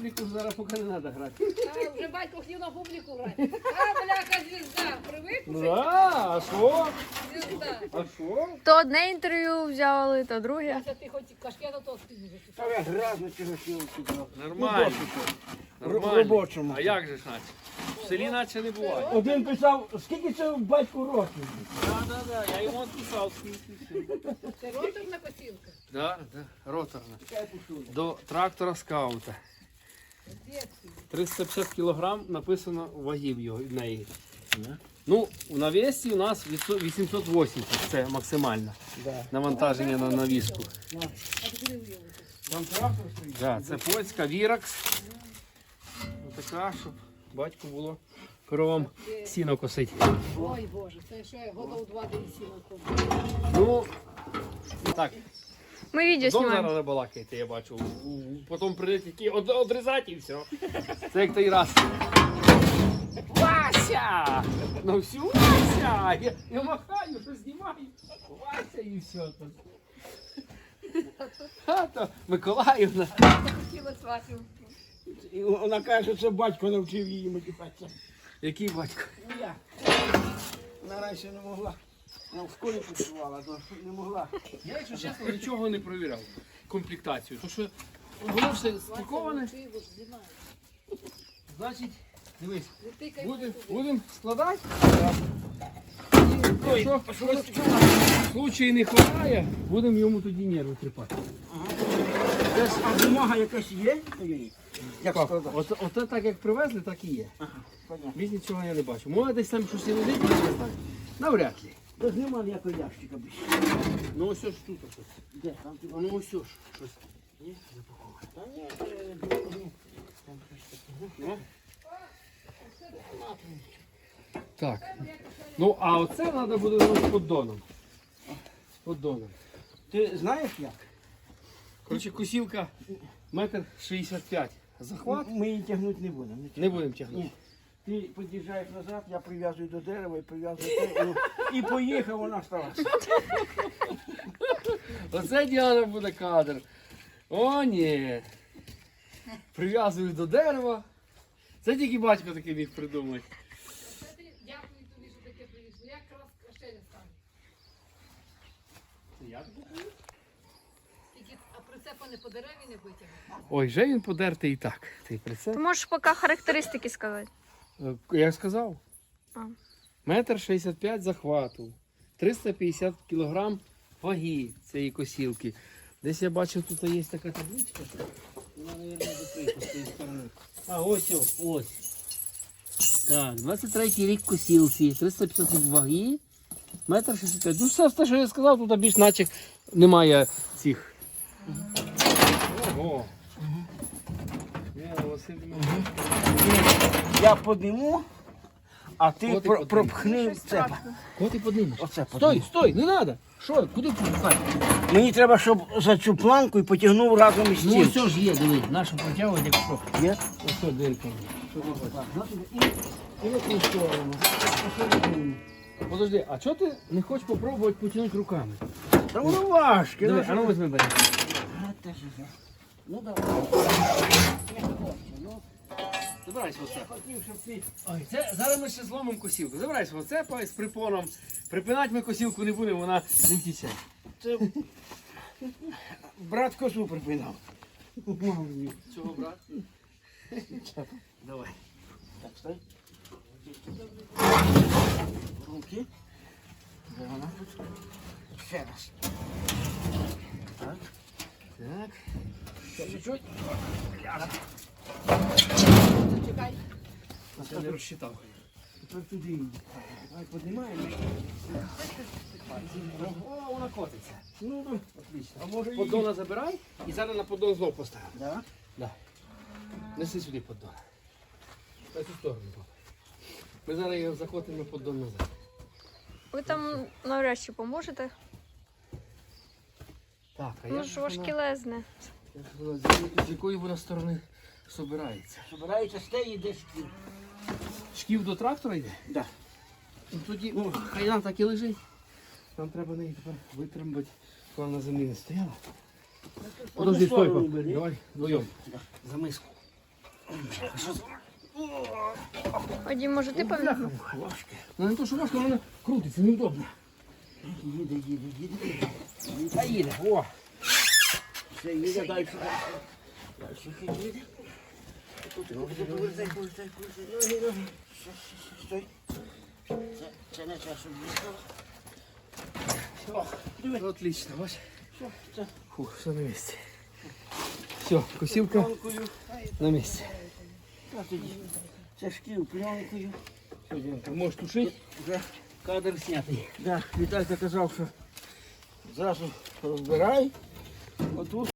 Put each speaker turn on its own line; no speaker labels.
публіку зараз поки не треба грати.
А, вже батько хотів на публіку грати. А, бляха, звізда. Привик?
Ну, а що?
Звізда.
А що?
То одне інтерв'ю взяли, то друге.
Яся, ти хоч кашкета то спільно
Та я грязно чого сіл сюди.
Нормально. Нормально.
Робочому.
А як же ж наче? В селі наче не буває.
Один писав, скільки це батьку років?
Так, я йому відписав скільки.
Це роторна косілка.
Так, роторна. До трактора скаута. 350 кг написано вагів його в неї. Ну, в навісі у нас 880, це максимальне навантаження на навіску.
Там трактор стоїть.
Да, це польська Віракс. Така, щоб батьку було коровам сіно косити.
Ой, Боже, це ще годов 2 десь сіла.
Ну, так,
Ми відео
довго
знімаємо.
зараз балакаєте, я бачу. Потім прийдете тільки одрізати і все. Це як той раз. Вася! Ну все, Вася! Я махаю, що знімаю. Вася і все. То Миколаївна.
Хотіла сватів.
І вона каже, що це батько навчив її матюкатися.
Який батько?
Ну я. Вона раніше не могла. Вона в школі працювала, то не могла.
Я, якщо чесно, нічого не провіряв. Комплектацію. Тому що воно все стиковане. Значить, дивись, будемо складати. Якщо щось в случаї не вистачає, будемо йому тоді нерви тріпати.
Десь а бумага якась є? Як складати?
Оце так як привезли, так і є.
Понятно.
Більш нічого я не бачу. Може десь там щось і лежить, я не знаю. Навряд ли.
Тож нема ніякого ящика більше.
Ну ось ж тут щось.
Де? Там ти
Ну ось ж щось.
Ні? Та ні, там щось таке.
Ну. Так. Ну а оце треба буде з поддоном. З поддоном.
Ти знаєш як?
Коротше, косілка 1,65 м. Захват.
Ми її тягнути не будемо.
Не будемо тягнути.
Ні. Ти під'їжджаєш назад, я прив'язую до дерева і прив'язую те, і поїхав, вона стала.
Оце Діана буде кадр. О, ні. Прив'язую до дерева. Це тільки батько такий міг придумати.
Дякую тобі, що таке привіз. Ну, як раз ще не стане.
Це я тобі привіз?
Тільки, а прицепа не по дереві не витягне.
Ой, вже він подертий і так. Цей прицеп.
Ти можеш поки характеристики сказати.
Я сказав.
А.
1,65 м захвату. 350 кг ваги цієї косілки. Десь я бачив, тут є така табличка. Вона, мабуть, закрита з цієї сторони. А, ось. Так, 23-й рік косілці, 350 ваги, 1,65 м. Ну все те, що я сказав, тут більш наче немає цих. Ого.
Я подниму, а ти
От і подніму.
пропхни це.
От і поднимеш.
Оце
Стой, не треба. Що, куди пускати?
Мені треба, щоб за цю планку і потягнув разом із
Ну
цим.
все ж є, диви, нашу протягувати, якщо.
Є?
Ось дирка.
І в цю сторону.
Подожди, а чого ти не хочеш спробувати потягнути руками?
Та воно важке.
Диви, а ну візьми бери.
Ну давай.
Забирайся оце.
Хотів, щоб ти...
Ой, це зараз ми ще зломимо косілку. Забирайся оце з припоном. Припинати ми косілку не будемо, вона не втіче.
Це... Брат косу припинав.
Чого, брат? Давай.
Так, стой. Руки. Де вона? Ще раз. Так.
Так.
Ще чуть-чуть.
Чекай.
Я не розчитав.
Тепер туди. Давай піднімаємо.
О, вона котиться.
Ну, ну, отлично. А може
Поддона забирай і зараз на поддон знов поставимо.
Да?
Да. Неси сюди поддон. На цю сторону. папа. Ми зараз його закотимо на поддон назад.
Ви там навряд чи поможете.
Так, а
Ну ж важкілезне.
з якої вона сторони собирається?
Собирається з теї, де шкіл.
Шків до трактора йде?
Да.
Ну, тоді, ну, хай нам так і лежить. Нам треба неї тепер витримати, коли вона на землі не стояла. Подожди, стой, пап. Давай вдвоєм. За миску.
Вадим, може ти поміг?
Важке.
Ну не то, що важко, воно крутиться, неудобно.
Їде.
Та їде, о.
Все, їде, далі. Далі їде. Тут, повертай. Ноги. Стой. Це не час, щоб їхав. Все, диви.
Отлично, бач.
Все, це
Фух, все на місці. Все, косілка
пленкою.
на місці.
А тоді це шкіл пленкою.
Все, Дімка, можеш тушити.
Вже
Кадр знятий.
да, Віталька казав, що зразу розбирай. Отут